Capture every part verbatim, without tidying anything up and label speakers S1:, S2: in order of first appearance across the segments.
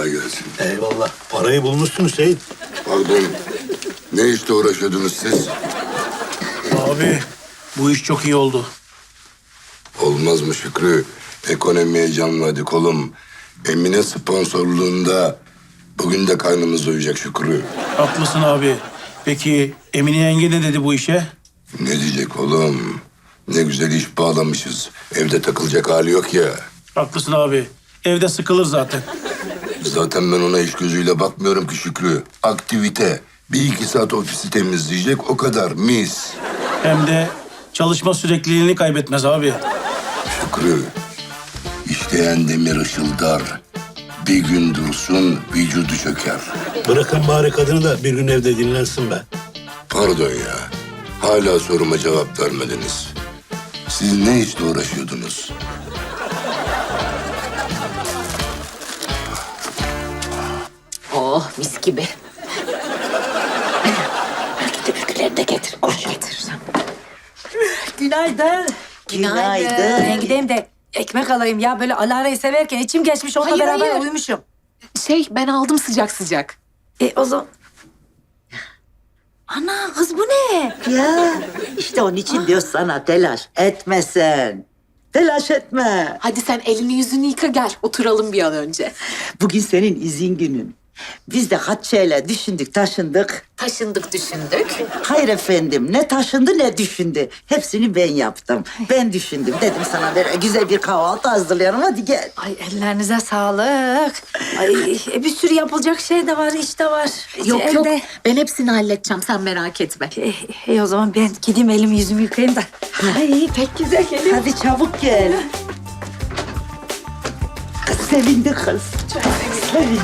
S1: Kolay gelsin.
S2: Eyvallah. Parayı bulmuşsun Hüseyin.
S1: Pardon. Ne işte uğraşıyordunuz siz?
S3: Abi bu iş çok iyi oldu.
S1: Olmaz mı Şükrü? Ekonomiye canladık oğlum. Emine sponsorluğunda bugün de karnımız doyacak Şükrü.
S3: Haklısın abi. Peki Emine yenge ne dedi bu işe?
S1: Ne diyecek oğlum? Ne güzel iş bağlamışız. Evde takılacak hali yok ya.
S3: Haklısın abi. Evde sıkılır zaten.
S1: Zaten ben ona iş gözüyle bakmıyorum ki Şükrü. Aktivite. Bir iki saat ofisi temizleyecek o kadar mis.
S3: Hem de çalışma sürekliliğini kaybetmez abi.
S1: Şükrü. İşleyen demir ışıldar. Bir gün dursun vücudu çöker.
S2: Bırakın bari kadını da bir gün evde dinlensin be.
S1: Pardon ya. Hala soruma cevap vermediniz. Siz ne işle uğraşıyordunuz?
S4: Oh mis gibi. Git öbürkülerini de getir. Koş getir.
S5: Günaydın.
S4: Günaydın.
S5: Ben gideyim de ekmek alayım ya. Böyle Alara'yı severken içim geçmiş. Onunla
S4: Hayır,
S5: beraber
S4: hayır.
S5: uyumuşum.
S4: Şey ben aldım sıcak sıcak.
S5: E o zaman... Ana kız bu ne?
S6: Ya işte onun için diyor sana telaş etmesen. Telaş etme.
S4: Hadi sen elini yüzünü yıka gel. Oturalım bir an önce.
S6: Bugün senin izin günün. Biz de kaç şeyler düşündük, taşındık.
S4: Taşındık düşündük.
S6: Hayır efendim, ne taşındı ne düşündü. Hepsini ben yaptım. Ben düşündüm. Dedim sana böyle güzel bir kahvaltı hazırlayalım. Hadi gel.
S5: Ay ellerinize sağlık. Ay e, bir sürü yapılacak şey de var, iş de var.
S4: Yok
S5: Evde.
S4: yok ben hepsini halledeceğim sen merak etme.
S5: E, e, o zaman ben gideyim elimi yüzümü yıkayayım da. Ay pek güzel geliyor.
S6: Hadi çabuk gel. Kız sevindi kız. Çok sevindi.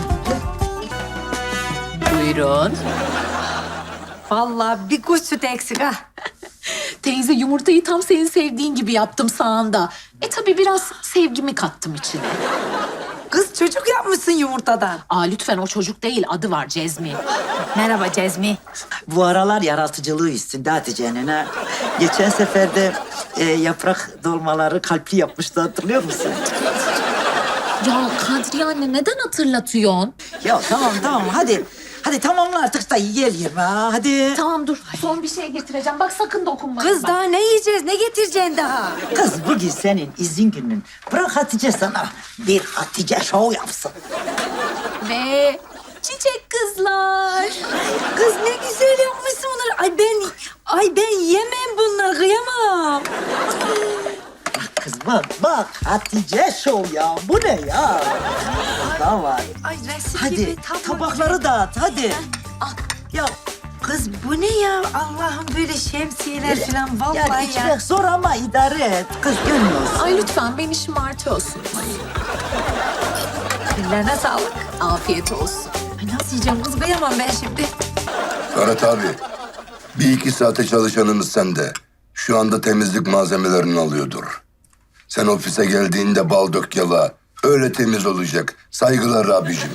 S4: Buyurun.
S5: Vallahi bir kuş sütü eksik ha.
S4: Teyze yumurtayı tam senin sevdiğin gibi yaptım sağında. E tabii biraz sevgimi kattım içine.
S5: Kız çocuk yapmışsın yumurtadan.
S4: Aa lütfen o çocuk değil adı var Cezmi.
S5: Merhaba Cezmi.
S6: Bu aralar yaratıcılığı üstünde Hatice'nin ha. Geçen sefer de e, yaprak dolmaları kalpli yapmıştı, hatırlıyor musun?
S4: Ya Kadriye anne neden hatırlatıyorsun?
S6: Ya tamam tamam hadi. Hadi tamamla artık da yiyelim ha hadi.
S4: Tamam dur son bir şey getireceğim. Bak sakın dokunma.
S5: Kız
S4: bak.
S5: daha ne yiyeceğiz, ne getireceksin daha?
S6: Kız bugün senin izin günün. Bırak Hatice sana bir Hatice şov yapsın.
S4: Ve çiçek kızlar.
S5: Kız ne güzel yapmışsın bunları. Ay ben, ay ben yemem bunları, kıyamam.
S6: Bak kız bak bak Hatice şov ya. Bu ne ya? Daha var.
S5: Ay resim
S6: Hadi
S5: gibi tabak.
S6: tabakları dağıt hadi.
S5: Al.
S6: Ya
S5: Kız bu ne ya? Allah'ım böyle şemsiyeler falan vallahi
S6: yani
S5: ya.
S6: içmek zor ama idare et. Kız görmüyorsun.
S4: Ay lütfen beni şımartıyorsun.
S5: Ellerine sağlık.
S4: Afiyet olsun.
S5: Ay nasıl yiyeceğim kız, kıyamam ben şimdi.
S1: Ferhat abi. Bir iki saate çalışanımız sende. Şu anda temizlik malzemelerini alıyordur. Sen ofise geldiğinde bal dök yala. Öyle temiz olacak. Saygılar abicim.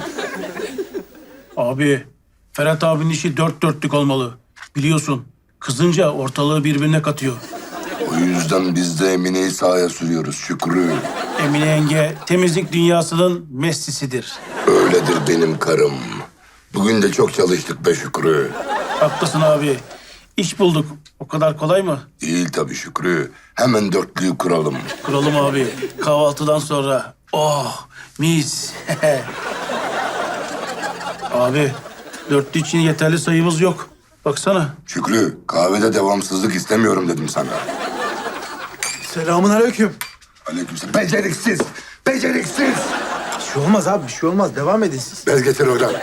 S3: Abi Ferhat abinin işi dört dörtlük olmalı. Biliyorsun kızınca ortalığı birbirine katıyor.
S1: O yüzden biz de Emine'yi sahaya sürüyoruz Şükrü.
S3: Emine yenge temizlik dünyasının Messi'sidir.
S1: Öyledir benim karım. Bugün de çok çalıştık be Şükrü.
S3: Haklısın abi. İş bulduk. O kadar kolay mı?
S1: Değil tabii Şükrü. Hemen dörtlüyü kuralım.
S3: Kuralım abi. Kahvaltıdan sonra. Oh mis. Abi dörtlü için yeterli sayımız yok. Baksana.
S1: Şükrü, kahvede devamsızlık istemiyorum dedim sana.
S7: Selamun aleyküm.
S1: Aleykümselam. Beceriksiz, beceriksiz.
S7: Bir şey olmaz abi, bir şey olmaz. Devam edin siz.
S1: Bez getir oradan.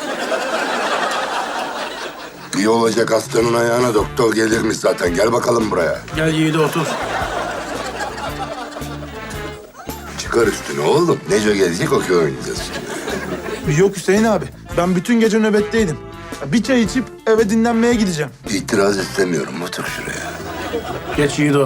S1: İyi olacak hastanın ayağına doktor gelirmiş zaten. Gel bakalım buraya.
S3: Gel Yiğit'e otur.
S1: Çıkar üstüne oğlum. Neco gelecek okey oynayacağız şimdi.
S7: Yok Hüseyin abi, ben bütün gece nöbetteydim. Bir çay içip eve dinlenmeye gideceğim.
S1: İtiraz istemiyorum. Otur şuraya.
S3: Geç Yiğit'e.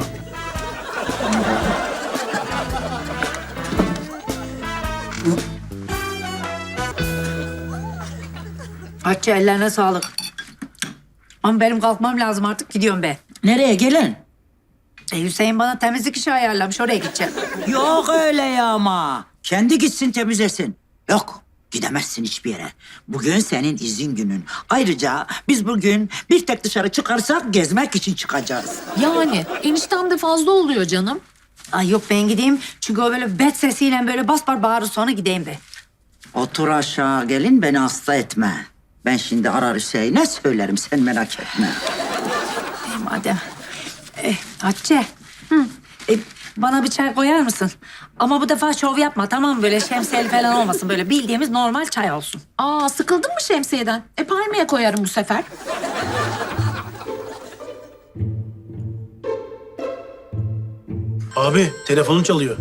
S5: Hatice ellerine sağlık. Ama benim kalkmam lazım artık, gidiyorum ben.
S6: Nereye gelin?
S5: E, Hüseyin bana temizlik işi ayarlamış, oraya gideceğim.
S6: Yok öyle ya ama. Kendi gitsin temizlesin. Yok. Gidemezsin hiçbir yere. Bugün senin izin günün. Ayrıca biz bugün bir tek dışarı çıkarsak gezmek için çıkacağız.
S4: Yani eniştem de fazla oluyor canım.
S5: Ay yok ben gideyim. Çünkü o böyle bet sesiyle böyle bas bar bağırır sonra gideyim be.
S6: Otur aşağı gelin beni hasta etme. Ben şimdi arar Hüseyin'e söylerim sen merak etme.
S5: E, madem. E, Hatice. Hı. E, bana bir çay koyar mısın? Ama bu defa şov yapma tamam mı? Böyle şemsiyeli falan olmasın. Böyle bildiğimiz normal çay olsun.
S4: Aa sıkıldın mı şemsiyeden? E palmiye koyarım bu sefer.
S3: Abi telefonun çalıyor.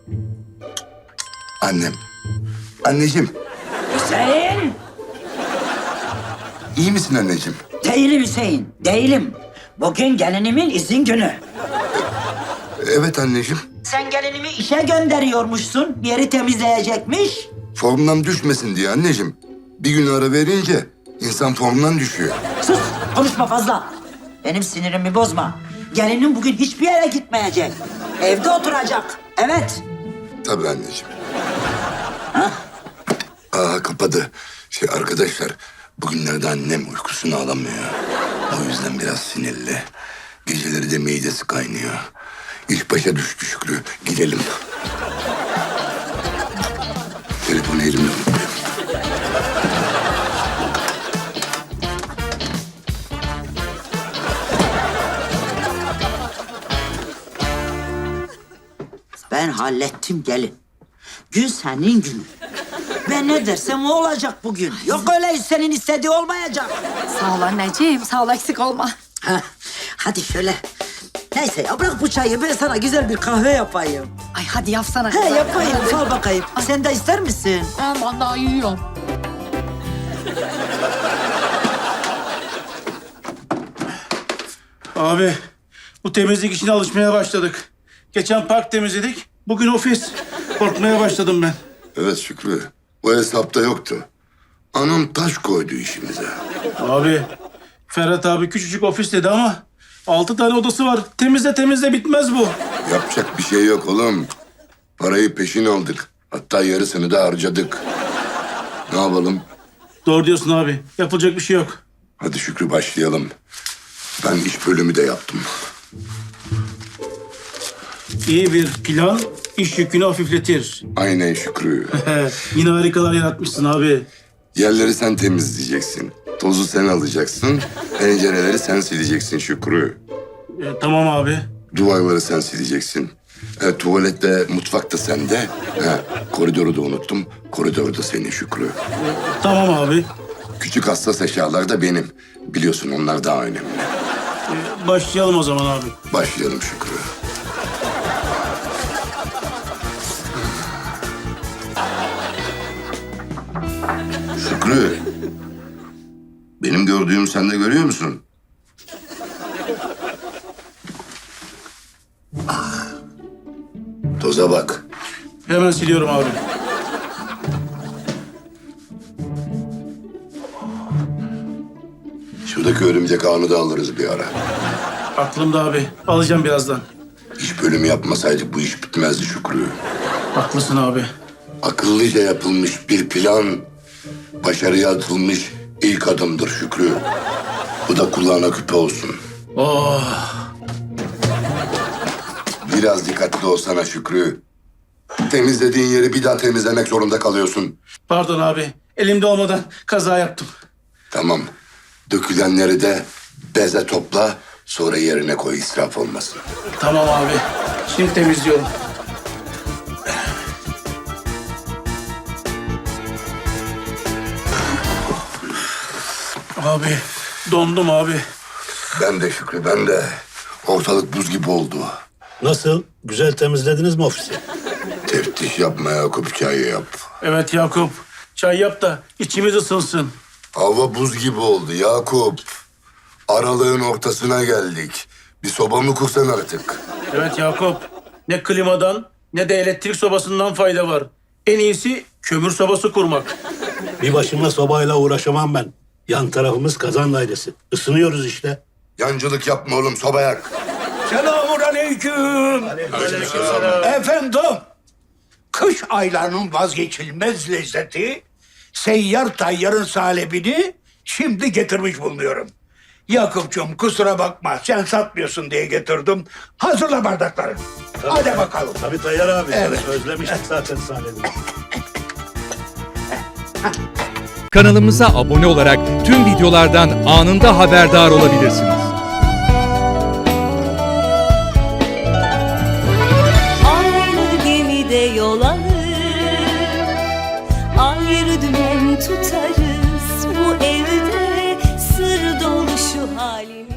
S1: Annem. Anneciğim.
S6: Hüseyin!
S1: İyi misin anneciğim?
S6: Değilim Hüseyin, değilim. Bugün gelinimin izin günü.
S1: Evet anneciğim.
S6: Sen gelinimi işe gönderiyormuşsun. Bir yeri temizleyecekmiş.
S1: Formdan düşmesin diye anneciğim. Bir gün ara verince insan formdan düşüyor.
S6: Sus, konuşma fazla. Benim sinirimi bozma. Gelinim bugün hiçbir yere gitmeyecek. Evde oturacak. Evet.
S1: Tabii anneciğim. Aa kapadı. Şey arkadaşlar bugünlerde annem uykusunu alamıyor. O yüzden biraz sinirli. Geceleri de midesi kaynıyor. İş başa düştü Şükrü. Gidelim. Telefonu elimde unuttum.
S6: Ben hallettim gelin. Gün senin günün. Ben ne dersem o olacak bugün. Yok öyle senin istediği olmayacak.
S5: Sağ ol anneciğim. Sağ ol eksik olma.
S6: Heh, hadi şöyle. Neyse ya bırak bu çayı ben sana güzel bir kahve yapayım.
S5: Ay hadi yapsana.
S6: He yapayım sal bakayım. Sen de ister misin?
S4: Ben, ben daha yiyorum.
S3: Abi bu temizlik işine alışmaya başladık. Geçen park temizledik. Bugün ofis. Korkmaya başladım ben.
S1: Evet Şükrü. O hesapta yoktu. Anam taş koydu işimize.
S3: Abi Ferhat abi küçücük ofis dedi ama altı tane odası var. Temizle temizle bitmez bu.
S1: Yapacak bir şey yok oğlum. Parayı peşin aldık. Hatta yarısını da harcadık. Ne yapalım?
S3: Doğru diyorsun abi. Yapılacak bir şey yok.
S1: Hadi Şükrü başlayalım. Ben iş bölümü de yaptım.
S3: İyi bir plan iş yükünü hafifletir.
S1: Aynen Şükrü.
S3: Yine harikalar yaratmışsın abi.
S1: Yerleri sen temizleyeceksin. Tozu sen alacaksın. Pencereleri sen sileceksin Şükrü.
S3: E, tamam abi.
S1: Duvarları sen sileceksin. E, tuvalette, mutfakta sende. He, koridoru da unuttum. Koridor da senin Şükrü.
S3: Tamam abi.
S1: Küçük hassas eşyalar da benim. Biliyorsun onlar daha önemli.
S3: E, başlayalım o zaman abi.
S1: Başlayalım Şükrü. Şükrü. Benim gördüğüm sen de görüyor musun? Ah. Toza bak.
S3: Hemen siliyorum abi.
S1: Şuradaki örümcek ağını da alırız bir ara.
S3: Aklımda abi. Alacağım birazdan.
S1: İş bölümü yapmasaydık bu iş bitmezdi Şükrü.
S3: Haklısın abi.
S1: Akıllıca yapılmış bir plan, başarıya atılmış ilk adımdır Şükrü. Bu da kulağına küpe olsun.
S3: Oh.
S1: Biraz dikkatli olsana Şükrü. Temizlediğin yeri bir daha temizlemek zorunda kalıyorsun.
S3: Pardon abi. Elimde olmadan kaza yaptım.
S1: Tamam. Dökülenleri de beze topla, sonra yerine koy, israf olmasın.
S3: Tamam abi. Şimdi temizliyorum. Abi dondum abi.
S1: Ben de Şükrü, ben de. Ortalık buz gibi oldu.
S2: Nasıl? Güzel temizlediniz mi ofisi?
S1: Teftiş yapma Yakup, çay yap.
S3: Evet Yakup. Çay yap da içimiz ısınsın.
S1: Hava buz gibi oldu Yakup. Aralığın ortasına geldik. Bir soba mı kursan artık?
S3: Evet Yakup. Ne klimadan ne de elektrik sobasından fayda var. En iyisi kömür sobası kurmak.
S2: Bir başıma sobayla uğraşamam ben. Yan tarafımız kazan dairesi. Isınıyoruz işte.
S1: Yancılık yapma oğlum, soba yak.
S8: Selamun aleyküm. Efendim, kış aylarının vazgeçilmez lezzeti seyyar tayyarın salebini şimdi getirmiş bulunuyorum. Yakup'cum kusura bakma sen satmıyorsun diye getirdim. Hazırla bardakları. Hadi bakalım.
S2: Tabii Tayyar abi.
S8: Evet.
S2: Özlemiştik zaten sahnede.
S9: Kanalımıza abone olarak tüm videolardan anında haberdar olabilirsiniz.
S10: Aynı gemide yol alır, ayrı dümen tutarız. Bu evde sır dolu şu halimiz.